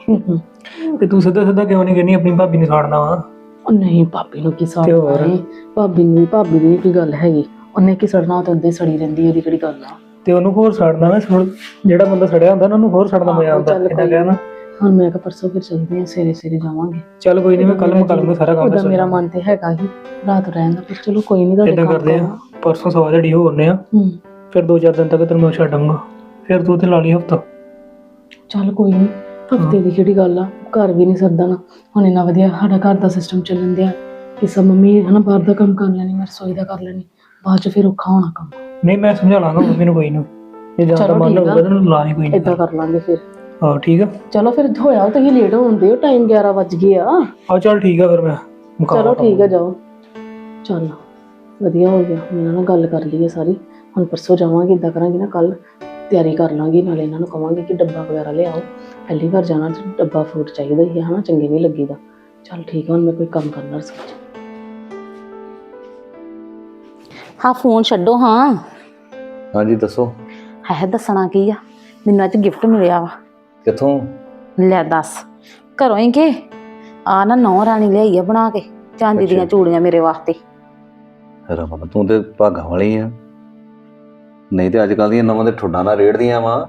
[SPEAKER 6] ਤੇ ਤੂੰ ਸਿੱਧਾ ਕਿਉਂ ਨਹੀਂ ਕਹਿੰਦੀ ਆਪਣੀ ਭਾਬੀ ਨੂੰ ਸਾੜਨਾ ਵਾ?
[SPEAKER 2] ਉਹ ਨਹੀਂ, ਭਾਬੀ ਨੂੰ ਕੀ ਸਾੜਨਾ ਹੈ? ਭਾਬੀ ਦੀ ਕੋਈ ਗੱਲ ਹੈਗੀ, ਉਹਨੇ ਕੀ ਸੜਨਾ, ਤੇ ਉੱਦੇ ਸੜੀ ਰਹਿੰਦੀ, ਉਹਦੀ ਕਿਹੜੀ ਗੱਲ ਆ।
[SPEAKER 6] ਤੇ ਉਹਨੂੰ ਹੋਰ ਸੜਨਾ ਨਾ, ਜਿਹੜਾ ਬੰਦਾ ਸੜਿਆ ਹੁੰਦਾ ਨਾ ਉਹਨੂੰ ਹੋਰ ਸੜਨਾ ਮਜ਼ਾ ਆਉਂਦਾ। ਇਦਾਂ ਕਹਿਣਾ
[SPEAKER 2] ਹੁਣ ਮੈਂ ਕਿਹਾ ਪਰਸੋਂ ਫਿਰ ਚੱਲਦੇ ਆ, ਸਵੇਰੇ ਜਾਵਾਂਗੇ।
[SPEAKER 6] ਚੱਲ ਕੋਈ ਨਹੀਂ, ਮੈਂ ਕੱਲ ਮੁਕਾ ਲੂੰਗਾ ਸਾਰਾ ਕੰਮ।
[SPEAKER 2] ਉਹਦਾ ਮੇਰਾ ਮਨ ਤੇ ਹੈਗਾ ਹੀ ਰਾਤ ਰਹਿਣ ਦਾ, ਪਰ ਚਲੋ ਕੋਈ ਨਹੀਂ।
[SPEAKER 6] ਇਦਾਂ ਕਰਦੇ ਆ, ਪਰਸੋਂ ਸਵਾ ਦਿਹਾੜੀ ਹੋ ਆਉਂਦੇ ਆ, ਫਿਰ 2-4 ਦਿਨ ਤੱਕ ਤੈਨੂੰ ਮੈਂ ਛੱਡਾਂਗਾ, ਫਿਰ ਤੂੰ ਉੱਥੇ ਲਾ ਲਈ ਹਫਤਾ।
[SPEAKER 2] ਚੱਲ ਕੋਈ ਨਹੀਂ, ਹਫਤੇ ਦੀ ਕਿਹੜੀ ਗੱਲ ਆ, ਘਰ ਵੀ ਨਹੀਂ ਸਰਦਾ ਨਾ। ਹੁਣ ਇੰਨਾ ਵਧੀਆ ਸਾਡਾ ਘਰ ਦਾ ਸਿਸਟਮ ਚੱਲਣ ਦਿਆ ਕਿ ਸਭ ਮੰਮੀ ਹਨਾ ਬਾਹਰ ਦਾ ਕੰਮ ਕਰ ਲੈਣੀ, ਮੈਂ ਰਸੋਈ ਦਾ ਕਰ ਲੈਣੀ, ਬਾਅਦ ਚ ਫਿਰ ਔਖਾ ਹੋਣਾ ਕੰਮ।
[SPEAKER 6] ਨਹੀਂ ਮੈਂ ਸਮਝਾ ਲਾਂਗਾ ਮੰਮੀ ਨੂੰ, ਕੋਈ ਨਾ ਜੇ ਜ਼ਿਆਦਾ
[SPEAKER 2] ਚਲੋ
[SPEAKER 6] ਮਨ
[SPEAKER 2] ਠੀਕ ਆ।
[SPEAKER 6] ਹੋਊਗਾ ਤਾਂ ਲਾ ਹੀ ਕੋਈ ਨਹੀਂ।
[SPEAKER 2] ਏਦਾਂ ਕਰ ਲਾਂਗੇ ਫਿਰ।
[SPEAKER 6] ਹਾਂ ਠੀਕ ਆ।
[SPEAKER 2] ਚਲੋ ਫਿਰ ਹੋਇਆ ਤੁਸੀਂ ਲੇਟ ਹੋਣਦੇ ਹੋ, ਟਾਈਮ 11 ਵੱਜ ਗਏ ਆ।
[SPEAKER 6] ਹਾਂ ਚੱਲ ਠੀਕ ਆ ਫਿਰ ਮੈਂ ਮੁਕਾ
[SPEAKER 2] ਚਲੋ ਠੀਕ ਆ, ਜਾਓ। ਚੱਲ ਵਧੀਆ ਹੋ ਗਿਆ, ਮੈਂ ਇਹਨਾਂ ਨਾਲ ਗੱਲ ਕਰ ਲਈ ਹੈ ਸਾਰੀ। ਹੁਣ ਪਰਸੋਂ ਜਾਵਾਂਗੇ, ਇੱਦਾਂ ਕਰਾਂਗੇ ਨਾ, ਕੱਲ ਤਿਆਰੀ ਕਰ ਲਾਂਗੀ, ਨਾਲੇ ਇਹਨਾਂ ਨੂੰ ਕਵਾਂਗੇ ਕਿ ਡੱਬਾ ਵਗੈਰਾ ਲਿਆਓ। ਪਹਿਲੀ ਵਾਰ ਜਾਣਾ ਤੇ ਡੱਬਾ ਫਰੂਟ ਚਾਹੀਦਾ ਹੀ ਹੈ ਹਨਾ, ਚੰਗੇ ਨਹੀਂ ਲੱਗੀਦਾ। ਚੱਲ ਠੀਕ ਆ, ਹੁਣ ਮੈਂ ਕੋਈ ਕੰਮ ਕਰਨਾ ਰਸੋਈ 'ਚ।
[SPEAKER 1] ਹਾਂ ਫੋਨ ਛੱਡੋ। ਹਾਂ
[SPEAKER 5] ਹਾਂਜੀ ਦੱਸੋ।
[SPEAKER 1] ਹੈ ਦੱਸਣਾ ਕੀ ਆ, ਮੈਨੂੰ ਅੱਜ ਗਿਫਟ ਮਿਲਿਆ ਵਾ।
[SPEAKER 5] ਕਿੱਥੋਂ?
[SPEAKER 1] ਲੈ ਦੱਸ, ਘਰੋਂ ਹੀ ਕਿ ਆ ਨਾ ਨੌ ਰਾਣੀ ਲਿਆਈ ਆ ਬਣਾ ਕੇ ਚਾਂਦੀ ਦੀਆਂ ਚੂੜੀਆਂ ਮੇਰੇ ਵਾਸਤੇ।
[SPEAKER 5] ਰਮਨ ਤੂੰ ਤੇ ਭਾਗਾਂ ਵਾਲੀ ਆ, ਨਹੀਂ ਤੇ ਅੱਜ ਕੱਲ ਦੀਆਂ ਨਵਾਂ ਦੇ ਠੁੱਡਾਂ ਨਾਲ ਰੇੜਦੀਆਂ ਵਾ।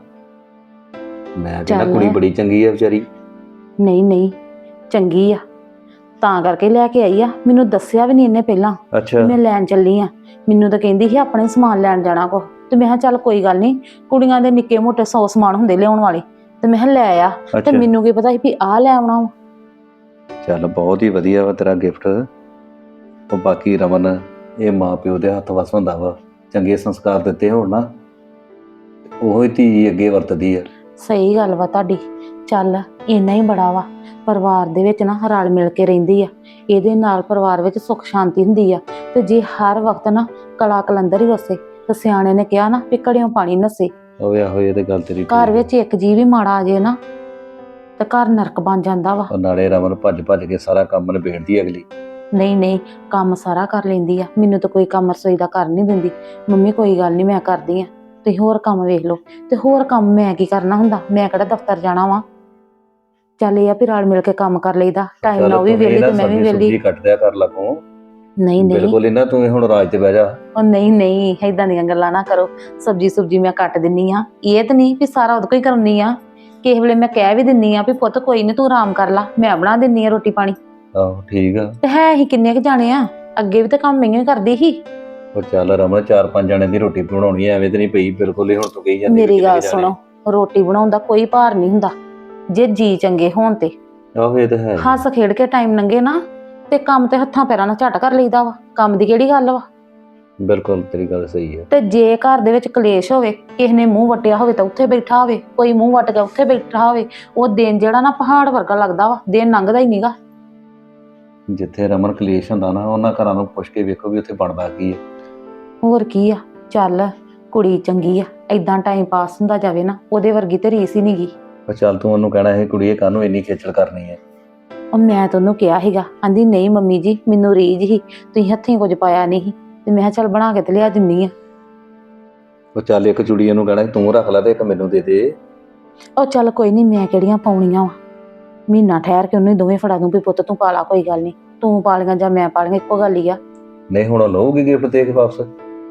[SPEAKER 5] ਮੈਂ ਕਹਿੰਦਾ
[SPEAKER 1] ਚੱਲ।
[SPEAKER 5] ਕੁੜੀ ਬੜੀ ਚੰਗੀ ਆ ਵਿਚਾਰੀ।
[SPEAKER 1] ਨਹੀਂ ਨਹੀਂ ਚੰਗੀ ਆ, ਤਾਂ ਕਰਕੇ ਲੈ ਕੇ ਆਈ ਆ। ਮੈਨੂੰ ਦੱਸਿਆ ਵੀ ਨਹੀਂ ਇਹਨੇ ਪਹਿਲਾਂ।
[SPEAKER 5] ਅੱਛਾ
[SPEAKER 1] ਮੈਂ ਲੈਣ ਚੱਲੀ ਆ, ਮੈਨੂੰ ਤਾਂ ਕਹਿੰਦੀ ਸੀ ਆਪਣੇ ਸਮਾਨ ਲੈਣ ਜਾਣਾ ਕੋ, ਤੇ ਮੈਂ ਕਿਹਾ ਚੱਲ ਕੋਈ ਗੱਲ ਨਹੀਂ, ਕੁੜੀਆਂ ਦੇ ਨਿੱਕੇ ਮੋਟੇ 100 ਸਮਾਨ ਹੁੰਦੇ ਲਿਆਉਣ ਵਾਲੇ, ਤੇ ਮੈਂ ਕਿਹਾ ਲੈ ਆ। ਤੇ
[SPEAKER 5] ਅੱਛਾ
[SPEAKER 1] ਮੈਨੂੰ ਕੀ ਪਤਾ ਸੀ ਵੀ ਆਹ ਲੈ ਆਉਣਾ ਵਾ।
[SPEAKER 5] ਚੱਲ ਬਹੁਤ ਹੀ ਵਧੀਆ ਵਾ ਤੇਰਾ ਗਿਫਟ। ਉਹ ਬਾਕੀ ਰਮਨ, ਇਹ ਮਾਂ ਪਿਓ ਦੇ ਹੱਥ ਵਸ ਹੁੰਦਾ ਵਾ, ਚੰਗੇ ਸੰਸਕਾਰ ਦਿੱਤੇ ਹੋਣ ਨਾ, ਉਹ ਹੀ ਧੀ ਅੱਗੇ ਵਰਤਦੀ ਆ।
[SPEAKER 1] ਸਹੀ ਗੱਲ ਵਾ ਤੁਹਾਡੀ। ਚੱਲ ਇੰਨਾ ਹੀ ਬੜਾ ਵਾ, ਪਰਿਵਾਰ ਦੇ ਵਿੱਚ ਨਾ ਰਲ ਮਿਲ ਕੇ ਰਹਿੰਦੀ ਆ, ਇਹਦੇ ਨਾਲ ਪਰਿਵਾਰ ਵਿੱਚ ਸੁੱਖ ਸ਼ਾਂਤੀ ਹੁੰਦੀ ਆ। ਤੇ ਜੇ ਹਰ ਵਕਤ ਨਾ ਕਲਾ ਕਲੰਦਰ ਹੀ ਵਸੇ, ਤੇ ਸਿਆਣੇ ਨੇ ਕਿਹਾ ਨਾ ਵੀ ਘੜਿਓਂ ਪਾਣੀ ਨਸੇ।
[SPEAKER 5] ਹੋਇਆ ਹੋਏ ਤੇ ਗੱਲ ਤੇਰੀ
[SPEAKER 1] ਘਰ
[SPEAKER 5] ਠੀਕ
[SPEAKER 1] ਵਿੱਚ ਇੱਕ ਜੀਅ ਵੀ ਮਾੜਾ ਆ ਜੇ ਨਾ, ਤੇ ਘਰ ਨਰਕ ਬਣ ਜਾਂਦਾ ਵਾ।
[SPEAKER 5] ਆ। ਨਾਲੇ ਰਮਨ ਭੱਜ ਭੱਜ ਕੇ ਸਾਰਾ ਕੰਮ ਨਿਬੇੜਦੀ ਆ ਅਗਲੀ।
[SPEAKER 1] ਨਹੀਂ ਨਹੀਂ ਕੰਮ ਸਾਰਾ ਕਰ ਲੈਂਦੀ ਆ, ਮੈਨੂੰ ਤਾਂ ਕੋਈ ਕੰਮ ਰਸੋਈ ਦਾ ਕਰ ਨਹੀਂ ਦਿੰਦੀ। ਮੰਮੀ ਕੋਈ ਗੱਲ ਨਹੀਂ, ਮੈਂ ਕਰਦੀ ਆ, ਤੁਸੀਂ ਹੋਰ ਕੰਮ ਵੇਖ ਲਓ। ਤੇ ਹੋਰ ਕੰਮ ਮੈਂ ਕੀ ਕਰਨਾ ਹੁੰਦਾ, ਮੈਂ ਕਿਹੜਾ ਦਫ਼ਤਰ ਜਾਣਾ ਵਾ। ਚੱਲ ਇਹ ਆ ਵੀ ਰਲ ਮਿਲ ਕੇ ਕੰਮ ਕਰ ਲਈਦਾ, ਟਾਈਮ ਨਾਲ ਉਹ ਵੀ ਵਿਹਲੀ ਤੇ ਮੈਂ ਵੀ ਵਿਹਲੀ।
[SPEAKER 5] ਸਬਜ਼ੀ ਕੱਟ ਦਿਆ ਕਰ ਲੱਗੋ।
[SPEAKER 1] ਨਹੀਂ ਨਹੀਂ
[SPEAKER 5] ਬਿਲਕੁਲ ਇਹਨਾਂ ਤੂੰ ਹੁਣ ਰਾਜ ਤੇ ਬਹਿ ਜਾ।
[SPEAKER 1] ਉਹ ਨਹੀਂ ਨਹੀਂ ਏਦਾਂ ਦੀਆਂ ਗੱਲਾਂ ਨਾ ਕਰੋ। ਸਬਜ਼ੀ ਮੈਂ ਕੱਟ ਦਿੰਨੀ ਆ, ਇਹ ਤਾਂ ਨਹੀਂ ਵੀ ਸਾਰਾ ਉਹਦੇ ਕੋਈ ਕਰਨੀ ਆ। ਕਿਸੇ ਵੇਲੇ ਮੈਂ ਕਹਿ ਵੀ ਦਿੰਨੀ ਆ ਵੀ ਪੁੱਤ ਕੋਈ ਨਹੀਂ ਤੂੰ ਆਰਾਮ ਕਰ ਲਾ, ਮੈਂ ਬਣਾ ਦਿੰਨੀ ਆ ਰੋਟੀ ਪਾਣੀ।
[SPEAKER 5] ਆਹੋ ਠੀਕ ਆ।
[SPEAKER 1] ਤੇ ਹੈ ਹੀ ਕਿੰਨੇ ਕੁ ਜਾਣੇ ਆ, ਅੱਗੇ ਵੀ ਤਾਂ ਕੰਮ ਮੈਂ ਹੀ ਕਰਦੀ ਸੀ।
[SPEAKER 5] ਉਹ ਚੱਲ ਰਮਨ 4-5 ਜਣੇ ਦੀ ਰੋਟੀ ਬਣਾਉਣੀ ਐ, ਐਵੇਂ ਤੇ ਨਹੀਂ ਪਈ ਬਿਲਕੁਲ ਹੀ ਹੁਣ ਤੂੰ ਕਹੀ ਜਾਂਦੀ।
[SPEAKER 1] ਮੇਰੀ ਗੱਲ ਸੁਣੋ, ਰੋਟੀ ਬਣਾਉਣ ਦਾ ਕੋਈ ਭਾਰ ਨਹੀਂ ਹੁੰਦਾ ਜੇ ਜੀ ਚੰਗੇ ਹੋਣ ਤੇ।
[SPEAKER 5] ਆਹੋ ਇਹ ਤਾਂ ਹੈ।
[SPEAKER 1] ਹੱਸ ਖੇਡ ਕੇ ਟਾਈਮ ਲੰਘੇ ਨਾ, ਤੇ ਕੰਮ ਤੇ ਹੱਥਾਂ ਪੈਰਾਂ ਨਾਲ ਝਟ ਕਰ ਲਈਦਾ ਵਾ, ਕੰਮ ਦੀ ਕਿਹੜੀ ਗੱਲ ਵਾ।
[SPEAKER 5] ਬਿਲਕੁਲ ਤੇਰੀ ਗੱਲ ਸਹੀ ਹੈ।
[SPEAKER 1] ਤੇ ਜੇ ਘਰ ਦੇ ਵਿੱਚ ਕਲੇਸ਼ ਹੋਵੇ, ਕਿਸੇ ਨੇ ਮੂੰਹ ਵਟਿਆ ਹੋਵੇ ਤਾਂ ਉੱਥੇ ਬੈਠਾ ਹੋਵੇ, ਕੋਈ ਮੂੰਹ ਵਟ ਕੇ ਉੱਥੇ ਬੈਠਾ ਹੋਵੇ, ਉਹ ਦਿਨ ਜਿਹੜਾ ਨਾ ਪਹਾੜ ਵਰਗਾ ਲੱਗਦਾ ਵਾ, ਦਿਨ ਲੰਘਦਾ ਹੀ ਨਹੀਂਗਾ।
[SPEAKER 5] ਜਿੱਥੇ ਰਮਨ ਕਲੇਸ਼ ਹੁੰਦਾ ਨਾ, ਉਹਨਾਂ ਘਰਾਂ ਨੂੰ ਪੁੱਛ ਕੇ ਵੇਖੋ ਵੀ ਉੱਥੇ ਬਣਦਾ ਕੀ ਹੈ।
[SPEAKER 1] ਹੋਰ ਕੀ ਆ, ਚੱਲ ਕੁੜੀ ਚੰਗੀ ਆ, ਏਦਾਂ ਟਾਈਮ ਪਾਸ ਹੁੰਦਾ ਜਾਵੇ ਨਾ, ਉਹਦੇ ਵਰਗੀ ਤੇ ਰੀਸ ਹੀ ਨਹੀਂਗੀ।
[SPEAKER 5] ਪਰ ਚੱਲ ਤੂੰ ਉਹਨੂੰ ਕਹਿਣਾ ਇਹ ਕੁੜੀਏ ਕਾਹਨੂੰ ਇੰਨੀ ਖੇਚਲ ਕਰਨੀ ਹੈ।
[SPEAKER 1] ਉਹ ਮੈਂ ਤਾਂ ਉਹਨੂੰ ਕਿਹਾ ਸੀਗਾ, ਆਂਦੀ ਨਹੀਂ ਮੰਮੀ ਜੀ ਮੈਨੂੰ ਰੀਝ ਹੀ, ਤੁਸੀਂ ਹੱਥੀਂ ਕੁਝ ਪਾਇਆ ਨਹੀਂ। ਤੇ ਮੈਂ ਕਿਹਾ ਚੱਲ ਬਣਾ ਕੇ ਤੇ ਲਿਆ ਦਿੰਨੀ ਆ।
[SPEAKER 5] ਉਹ ਚੱਲ ਇੱਕ ਚੂੜੀ ਉਹਨੂੰ ਕਹਿਣਾ ਤੂੰ ਰੱਖ ਲੈ ਤੇ ਇੱਕ ਮੈਨੂੰ ਦੇ ਦੇ।
[SPEAKER 1] ਉਹ ਚੱਲ ਕੋਈ ਨਹੀਂ, ਮੈਂ ਕਿਹੜੀਆਂ ਪਾਉਣੀਆਂ ਵਾ, ਮਹੀਨਾ ਠਹਿਰ ਕੇ ਉਹਨੂੰ ਦੋਵੇਂ ਫੜਾ ਦੂੰ ਵੀ ਪੁੱਤ ਤੂੰ ਪਾ ਲਾ, ਕੋਈ ਗੱਲ ਨਹੀਂ, ਤੂੰ ਪਾ ਲਈਆਂ ਜਾਂ ਮੈਂ ਪਾ ਲਈਆਂ ਇੱਕੋ ਗੱਲ ਹੀ ਆ।
[SPEAKER 5] ਨਹੀਂ ਹੁਣ ਉਹ ਲਊਗੀ ਗਿਫਟ ਦੇ ਕੇ ਵਾਪਸ।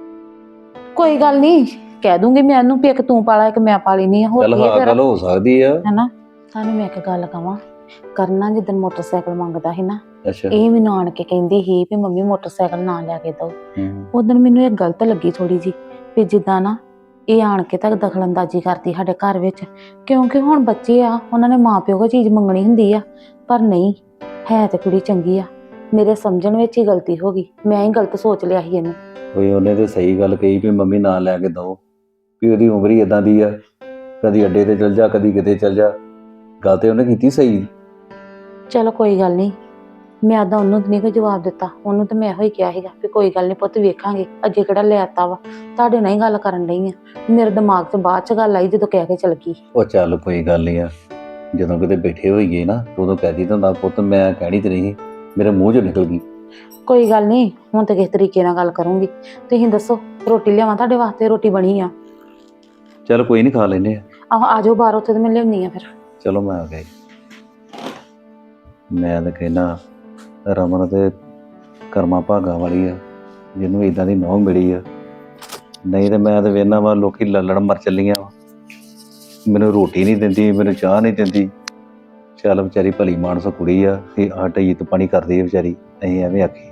[SPEAKER 1] ਕੋਈ ਗੱਲ ਨਹੀਂ, ਕਹਿ ਦੂੰਗੀ ਮੈਂ ਉਹਨੂੰ ਵੀ ਇੱਕ ਤੂੰ ਪਾ ਲਾ ਇੱਕ ਮੈਂ ਪਾ ਲੈਣੀ ਆ। ਹੋਰ
[SPEAKER 5] ਚੱਲ
[SPEAKER 1] ਕੀ ਆ
[SPEAKER 5] ਹਾਂ
[SPEAKER 1] ਫਿਰ,
[SPEAKER 5] ਗੱਲ ਹੋ ਸਕਦੀ ਆ।
[SPEAKER 1] ਹੈਨਾ। ਤੁਹਾਨੂੰ ਮੈਂ ਇੱਕ ਗੱਲ ਕਵਾਂ, ਕਰਨਾ ਜਿੱਦਣ ਮੋਟਰਸਾਈਕਲ ਮੰਗਦਾ ਸੀ ਨਾ,
[SPEAKER 5] ਅੱਛਾ
[SPEAKER 1] ਇਹ ਮੈਨੂੰ ਆਣ ਕੇ ਕਹਿੰਦੀ ਸੀ ਵੀ ਮੰਮੀ ਮੋਟਰਸਾਈਕਲ ਨਾ ਲਿਆ ਕੇ ਦਿਓ।
[SPEAKER 5] ਹੂੰ।
[SPEAKER 1] ਉਦੋਂ ਮੈਨੂੰ ਇਹ ਗਲਤ ਲੱਗੀ ਥੋੜੀ ਜੀ, ਵੀ ਜਿੱਦਾਂ ਨਾ ਇਹ ਆਣ ਕੇ ਤੱਕ ਦਖਲਅੰਦਾਜ਼ੀ ਕਰਦੀ ਸਾਡੇ ਘਰ ਵਿੱਚ, ਕਿਉਂਕਿ ਹੁਣ ਬੱਚੇ ਆ, ਉਹਨਾਂ ਨੇ ਮਾਂ ਪਿਓ ਕੋਲ ਚੀਜ਼ ਮੰਗਣੀ ਹੁੰਦੀ ਆ। ਪਰ ਨਹੀਂ, ਹੈ ਤੇ ਕੁੜੀ ਚੰਗੀ ਆ, ਮੇਰੇ ਸਮਝਣ ਵਿੱਚ ਹੀ ਗਲਤੀ ਹੋ ਗਈ, ਮੈਂ ਹੀ ਗਲਤ ਸੋਚ ਲਿਆ ਸੀ ਇਹਨੂੰ।
[SPEAKER 5] ਕੋਈ ਉਹਨੇ ਤੇ ਸਹੀ ਗੱਲ ਕਹੀ ਵੀ ਮੰਮੀ ਨਾ ਲੈ ਕੇ ਦਓ, ਵੀ ਉਹਦੀ ਉਮਰ ਹੀ ਇਦਾਂ ਦੀ ਆ, ਕਦੀ ਅੱਡੇ ਤੇ ਚਲ ਜਾ ਕਦੀ ਕਿਤੇ ਚਲ ਜਾ। ਗੱਲ ਤੇ ਉਹਨੇ ਕੀਤੀ ਸਹੀ।
[SPEAKER 1] ਚਲੋ ਕੋਈ ਗੱਲ ਨਹੀਂ, ਮੈਂ ਤਾਂ ਉਹਨੂੰ ਨਹੀਂ ਕੋਈ ਜਵਾਬ ਦਿੱਤਾ, ਉਹਨੂੰ ਤਾਂ ਮੈਂ ਇਹੋ ਹੀ ਕਿਹਾ ਸੀਗਾ ਵੀ ਕੋਈ ਗੱਲ ਨਹੀਂ ਪੁੱਤ ਵੇਖਾਂਗੇ, ਅੱਗੇ ਕਿਹੜਾ ਲੈ ਆਤਾ ਵਾ, ਤੁਹਾਡੇ ਨਾਲ ਹੀ ਗੱਲ ਕਰਨ ਡਈ ਆ। ਮੇਰੇ ਦਿਮਾਗ 'ਚ ਬਾਅਦ 'ਚ ਗੱਲ ਆਈ ਜਦੋਂ ਕਹਿ ਕੇ ਚਲ ਗਈ।
[SPEAKER 5] ਉਹ ਚੱਲ ਕੋਈ ਗੱਲ ਨਹੀਂ ਆ, ਜਦੋਂ ਕਿਤੇ ਬੈਠੇ ਹੋਈਏ ਨਾ ਉਦੋਂ ਕਹਿ ਦਿੱਤਾ ਹੁੰਦਾ ਪੁੱਤ ਮੈਂ ਕਹਿਣੀ ਤੇ ਨਹੀਂ, ਮੇਰੇ ਮੂੰਹ 'ਚੋਂ ਨਿਕਲ ਗਈ।
[SPEAKER 1] ਕੋਈ ਗੱਲ ਨਹੀਂ, ਹੁਣ ਤਾਂ ਕਿਸੇ ਤਰੀਕੇ ਨਾਲ ਗੱਲ ਕਰੂੰਗੀ। ਤੁਸੀਂ ਦੱਸੋ ਰੋਟੀ ਲਿਆਵਾਂ ਤੁਹਾਡੇ ਵਾਸਤੇ? ਰੋਟੀ ਬਣੀ ਆ।
[SPEAKER 5] ਚੱਲ ਕੋਈ ਨਹੀਂ ਖਾ ਲੈਨੇ ਆ।
[SPEAKER 1] ਆਹੋ ਆ ਜਾਓ ਬਾਹਰ, ਉੱਥੇ ਤਾਂ ਮੈਂ ਲਿਆਉਣੀ ਆ ਫਿਰ।
[SPEAKER 5] ਚਲੋ ਮੈਂ ਆ ਗਿਆ। ਮੈਂ ਤਾਂ ਕਹਿਣਾ ਰਮਨ ਤੇ ਕਰਮਾਂ ਭਾਗਾਂ ਵਾਲੀ ਆ, ਜਿਹਨੂੰ ਇਦਾਂ ਦੀ ਨੌਂ ਮਿਲੀ ਆ। ਨਹੀਂ ਤੇ ਮੈਂ ਤਾਂ ਵੇਖਣਾ ਵਾ ਲੋਕੀ ਲੱਲੜ ਮਰ ਚੱਲੀਆਂ ਵਾ, ਮੈਨੂੰ ਰੋਟੀ ਨਹੀਂ ਦਿੰਦੀ, ਮੈਨੂੰ ਚਾਹ ਨਹੀਂ ਦਿੰਦੀ। ਚੱਲ ਵਿਚਾਰੀ ਭਲੀ ਮਾਨਸ ਕੁੜੀ ਆ, ਇਹ ਆਟਾ ਇੱਜ਼ਤ ਪਾਣੀ ਕਰਦੀ ਆ ਵਿਚਾਰੀ, ਅਸੀਂ ਐਵੇਂ ਆਖੀ।